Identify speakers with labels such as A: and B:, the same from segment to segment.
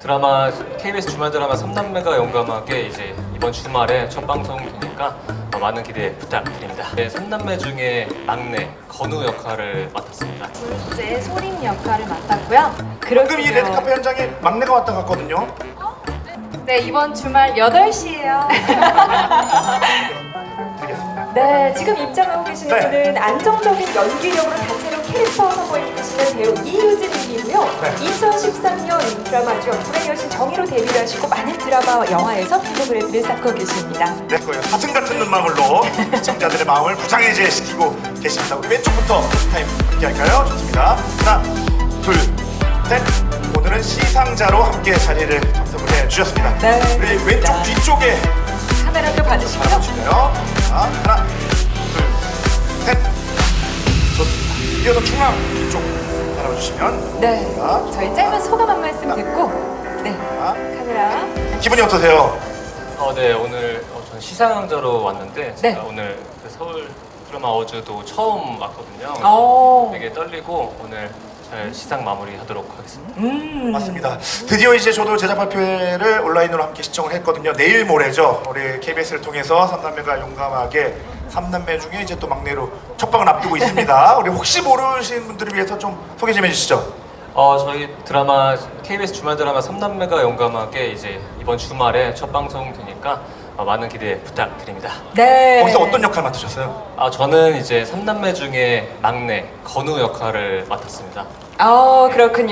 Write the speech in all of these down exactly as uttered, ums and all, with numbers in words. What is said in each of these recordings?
A: 드라마 케이비에스 주말 드라마 삼남매가 용감하게 이제 이번 주말에 첫 방송 되니까 어, 많은 기대 부탁드립니다. 네, 삼남매 중에 막내 건우 역할을 맡았습니다.
B: 둘째 소림 역할을 맡았고요.
C: 방금 이 레드카페 현장에 막내가 왔다 갔거든요.
B: 네, 이번 주말 여덟 시에요.
C: 드리겠습니다.
D: 네, 지금 입장하고 계시는
C: 네.
D: 분은 안정적인 연기력으로 다채로운 캐릭터를 선보이고 계시는 배우 이유진 님이고요.
C: 네.
D: 이천십삼 년 드라마죠. 불의 여신 정의로 데뷔를 하시고 많은 드라마와 영화에서 film 브랜드를 쌓고 계십니다.
C: 네, 거예요. 사슴 같은 눈망울로 시청자들의 마음을 부장해제 시키고 계십니다. 우리 왼쪽부터 타임 함께 할까요? 좋습니다. 하나, 둘, 셋. 오늘은 시상자로 함께 자리를 접속을 해주셨습니다.
D: 네,
C: 우리
D: 그렇습니다.
C: 왼쪽 뒤쪽에
D: 카메라도 받으시고요.
C: 바라보실까요? 자, 하나, 둘, 셋. 좋습니다. 이어서 중앙 뒤쪽 바라봐주시면
D: 네,
C: 자,
D: 저희 짧은 소감 한 말씀 듣고 네,
C: 자,
D: 카메라.
C: 기분이 어떠세요?
A: 어, 네, 오늘 어, 저는 시상자로 왔는데 제가
D: 네.
A: 오늘 그 서울 드라마 어워즈도 처음 왔거든요.
D: 오.
A: 되게 떨리고 오늘 잘 시상 마무리하도록 하겠습니다.
D: 음.
C: 맞습니다. 드디어 이제 저도 제작 발표회를 온라인으로 함께 시청을 했거든요. 내일 모레죠. 우리 케이비에스를 통해서 삼남매가 용감하게 삼남매 중에 이제 또 막내로 첫 방을 앞두고 있습니다. 우리 혹시 모르시는 분들을 위해서 좀 소개 좀 해주시죠.
A: 어, 저희 드라마 케이비에스 주말 드라마 삼남매가 용감하게 이제 이번 주말에 첫 방송 되니까 어, 많은 기대 부탁드립니다.
D: 네.
C: 거기서 어떤 역할 맡으셨어요?
A: 아, 저는 이제 삼남매 중에 막내 건우 역할을 맡았습니다.
D: 아,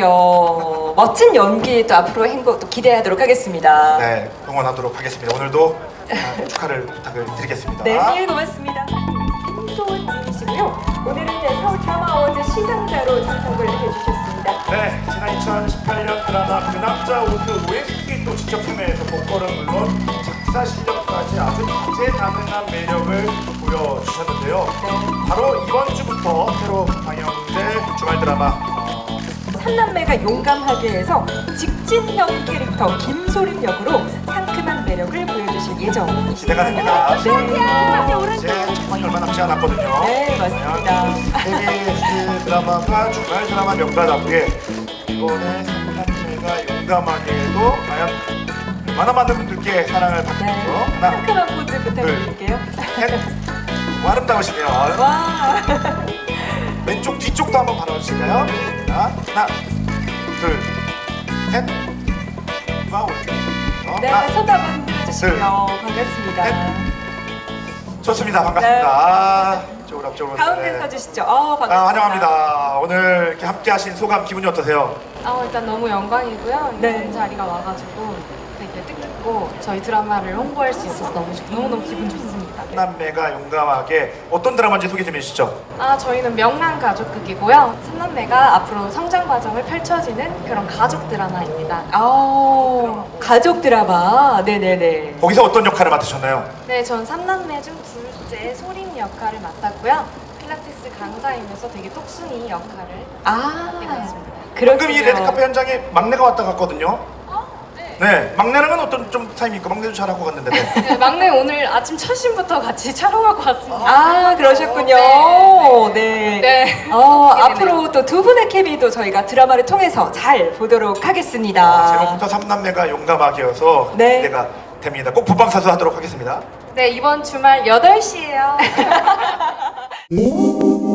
D: 그렇군요. 멋진 연기 또 앞으로 행보 또 기대하도록 하겠습니다.
C: 네, 응원하도록 하겠습니다. 오늘도 아, 축하를 부탁을 드리겠습니다.
D: 네, 네, 고맙습니다. 김소은 님이시고요. 오늘은 네, 서울 드라마 어워즈 시상자로 참석을 해주셨습니다.
C: 네, 지난 이천십팔 년 드라마 그 남자 오스 오에스티 또 직접 참여해서 보컬은 물론 작사 실력까지 아주 다재다능한 매력을 보여주셨는데요. 바로 이번 주부터 새로 방영될 주말 드라마 어,
D: 삼남매가 용감하게 해서 직진형 캐릭터 김소림 역으로 상큼한 매력을 보여주실 예정이십니다.
C: 기대가 됩니다.
D: 네.
C: 이제 정말 얼마 남지 않았거든요.
D: 네, 맞습니다.
C: 케이비에스 드라마가 주말 드라마 명가답게 이번에 삼남매가 용감하게도 과연 얼마나 많은 분들께 사랑을 받고
D: 네.
C: 있죠. 하나,
D: 상큼한 포즈 부탁드릴게요.
C: 셋. 뭐 아름다우시네요.
D: 와.
C: 왼쪽 뒤쪽도 한번 바라주실까요? 자, 하나, 둘, 셋. 와, 오른쪽. 어,
D: 네,
C: 하나,
D: 손 한번 들어주시고요.
C: 둘,
D: 반갑습니다.
C: 셋. 좋습니다. 반갑습니다. 아, 이쪽으로 앞쪽으로.
D: 가운데
C: 네.
D: 서주시죠. 어, 반갑습니다.
C: 아, 환영합니다. 오늘 이렇게 함께 하신 소감 기분이 어떠세요?
B: 어, 일단 너무 영광이고요.
D: 네.
B: 이런 자리가 와가지고 되게 뜻깊고 저희 드라마를 홍보할 수 있어서 너무 좋- 너무너무 기분 좋습니다. 네.
C: 삼남매가 용감하게 어떤 드라마인지 소개 좀 해주시죠.
B: 아, 저희는 명랑 가족극이고요. 삼남매가 앞으로 성장 과정을 펼쳐지는 그런 가족 드라마입니다.
D: 아, 가족 드라마. 네네네.
C: 거기서 어떤 역할을 맡으셨나요?
B: 네, 전 삼남매 중 둘째 소림 역할을 맡았고요. 필라테스 강사이면서 되게 똑순이 역할을
D: 아,
B: 하게 되었습니다.
D: 그렇군요.
C: 방금 이 레드카페 현장에 막내가 왔다 갔거든요. 네, 막내랑은 어떤 좀 타임입니까? 막내도 잘하고 갔는데. 네.
B: 네, 막내 오늘 아침 첫신부터 같이 촬영하고 왔습니다.
D: 아, 그러셨군요. 네.
B: 네.
D: 어,
B: 기대되네요.
D: 앞으로 또 두 분의 케미도 저희가 드라마를 통해서 잘 보도록 하겠습니다.
C: 제목부터 삼남매가 용감하게여서
D: 네.
C: 기대가 됩니다. 꼭 본방사수 하도록 하겠습니다.
B: 네, 이번 주말 여덟 시에요.